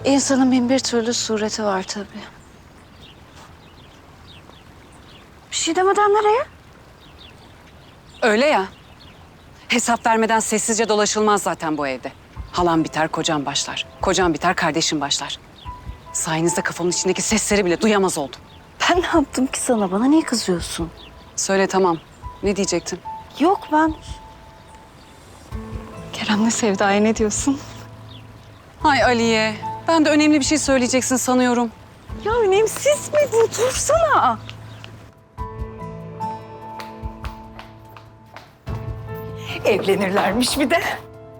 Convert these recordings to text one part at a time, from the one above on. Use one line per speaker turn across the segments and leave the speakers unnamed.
İnsanın bin bir türlü sureti var tabii. Bir şey demeden nereye?
Öyle ya. Hesap vermeden sessizce dolaşılmaz zaten bu evde. Halam biter, kocam başlar. Kocam biter, kardeşim başlar. Sayenizde kafamın içindeki sesleri bile duyamaz oldum.
Ben ne yaptım ki sana? Bana niye kızıyorsun?
Söyle tamam. Ne diyecektin?
Yok ben... Kerem'le Sevda'ya ne diyorsun?
Ay Aliye, ben de önemli bir şey söyleyeceksin sanıyorum.
Ya önemsiz mi bu? Dursana. Evlenirlermiş bir de.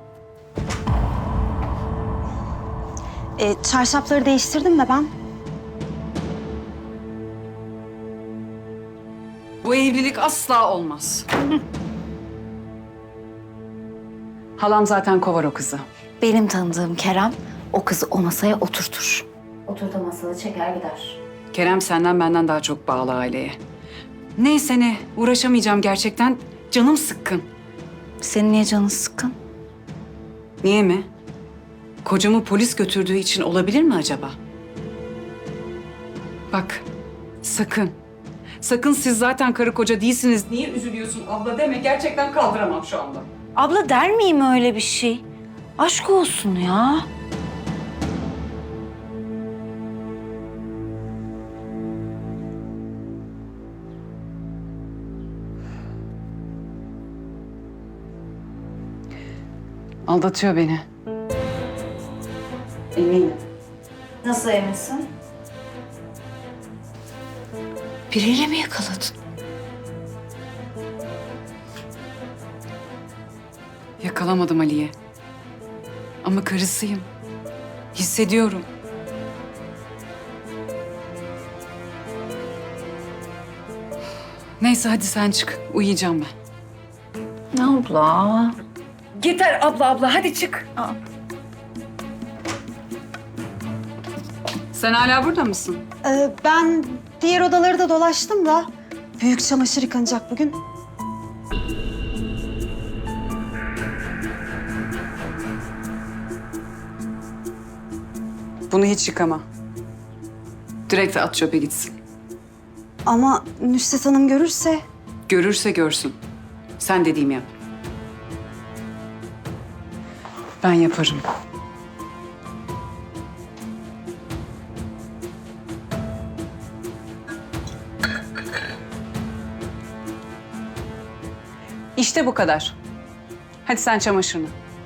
Çarşafları değiştirdim de ben.
Bu evlilik asla olmaz. Halam zaten kovar o kızı.
Benim tanıdığım Kerem o kızı o masaya oturtur. Oturduğu masada çeker gider.
Kerem senden benden daha çok bağlı aileye. Neyse ne, uğraşamayacağım gerçekten. Canım sıkkın.
Senin niye canın sıkkın?
Niye mi? Kocamı polis götürdüğü için olabilir mi acaba? Bak, sakın. Sakın siz zaten karı koca değilsiniz. Niye üzülüyorsun abla deme. Gerçekten kaldıramam şu anda.
Abla der miyim öyle bir şey? Aşk olsun ya.
Aldatıyor beni. Eminim.
Nasıl eminsin? Biriyle mi yakaladın?
Yakalamadım Ali'ye. Ama karısıyım. Hissediyorum. Neyse hadi sen çık. Uyuyacağım ben.
Abla.
Yeter abla hadi çık. Sen hala burada mısın?
Ben diğer odaları da dolaştım da büyük çamaşır yıkanacak bugün.
Bunu hiç yıkama. Direkt at çöpe gitsin.
Ama Nusret Hanım görürse
Görürse görsün. Sen dediğimi yap. Ben yaparım. İşte bu kadar. Hadi sen çamaşırını.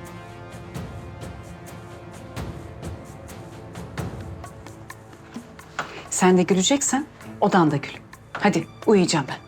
Sen de güleceksen odanda gül. Hadi uyuyacağım ben.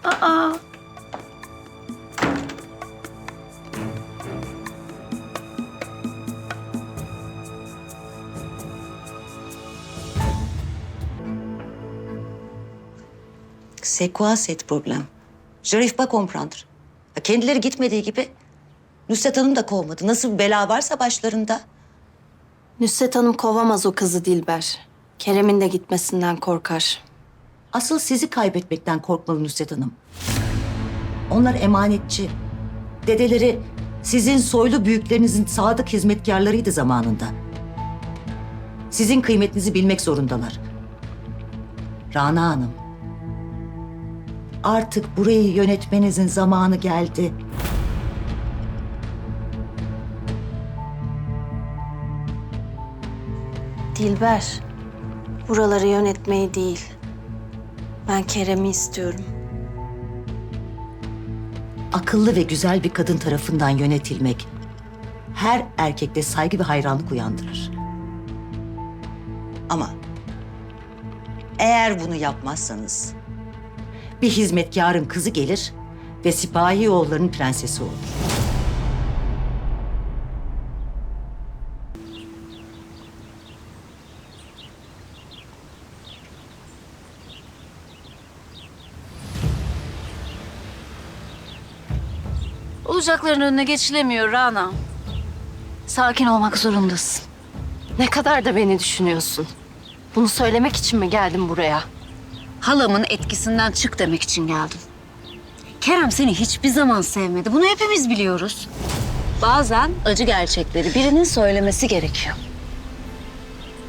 C'est quoi cette problème? J'arrive pas à comprendre. Ya kendileri gitmediği gibi Nusret Hanım da kovmadı. Nasıl bir bela varsa başlarında.
Nusret Hanım kovamaz o kızı Dilber. Kerem'in de gitmesinden korkar.
Asıl sizi kaybetmekten korkmalı Nusret Hanım. Onlar emanetçi. Dedeleri sizin soylu büyüklerinizin sadık hizmetkarlarıydı zamanında. Sizin kıymetinizi bilmek zorundalar. Rana Hanım. Artık burayı yönetmenizin zamanı geldi.
Dilber, buraları yönetmeyi değil. Ben Kerem'i istiyorum.
Akıllı ve güzel bir kadın tarafından yönetilmek her erkekte saygı ve hayranlık uyandırır. Ama eğer bunu yapmazsanız bir hizmetkarın kızı gelir ve sipahi oğulların prensesi olur.
Olacakların önüne geçilemiyor Rana. Sakin olmak zorundasın.
Ne kadar da beni düşünüyorsun. Bunu söylemek için mi geldin buraya?
Halamın etkisinden çık demek için geldim. Kerem seni hiçbir zaman sevmedi. Bunu hepimiz biliyoruz. Bazen acı gerçekleri birinin söylemesi gerekiyor.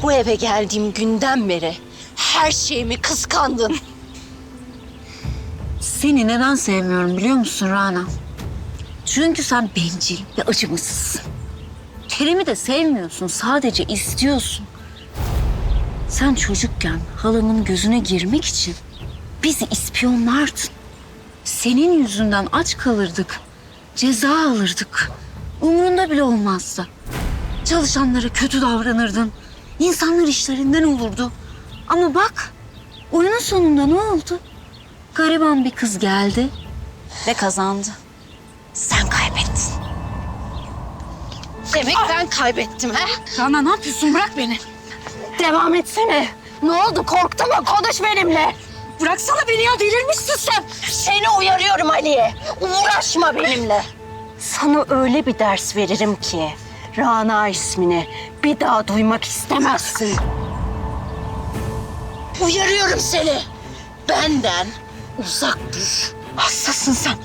Bu eve geldiğim günden beri her şeyimi kıskandın.
Seni neden sevmiyorum biliyor musun Rana? Çünkü sen bencil ve acımasızsın. Kerem'i de sevmiyorsun, sadece istiyorsun. Sen çocukken halamın gözüne girmek için bizi ispiyonlardın. Senin yüzünden aç kalırdık, ceza alırdık. Umurunda bile olmazdı. Çalışanlara kötü davranırdın. İnsanlar işlerinden olurdu. Ama bak, oyunun sonunda ne oldu? Gariban bir kız geldi ve kazandı.
Sen kaybettin. Demek ben kaybettim ha?
Rana ne yapıyorsun? Bırak beni.
Devam etsene. Ne oldu? Korktun mu? Konuş benimle.
Bıraksana beni ya, delirmişsin sen.
Seni uyarıyorum Aliye. Uğraşma benimle. Sana öyle bir ders veririm ki Rana ismini bir daha duymak istemezsin. Uyarıyorum seni. Benden uzak dur.
Hastasın sen.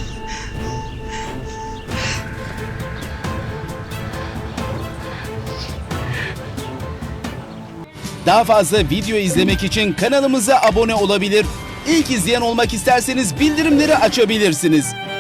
Daha fazla video izlemek için kanalımıza abone olabilir. İlk izleyen olmak isterseniz bildirimleri açabilirsiniz.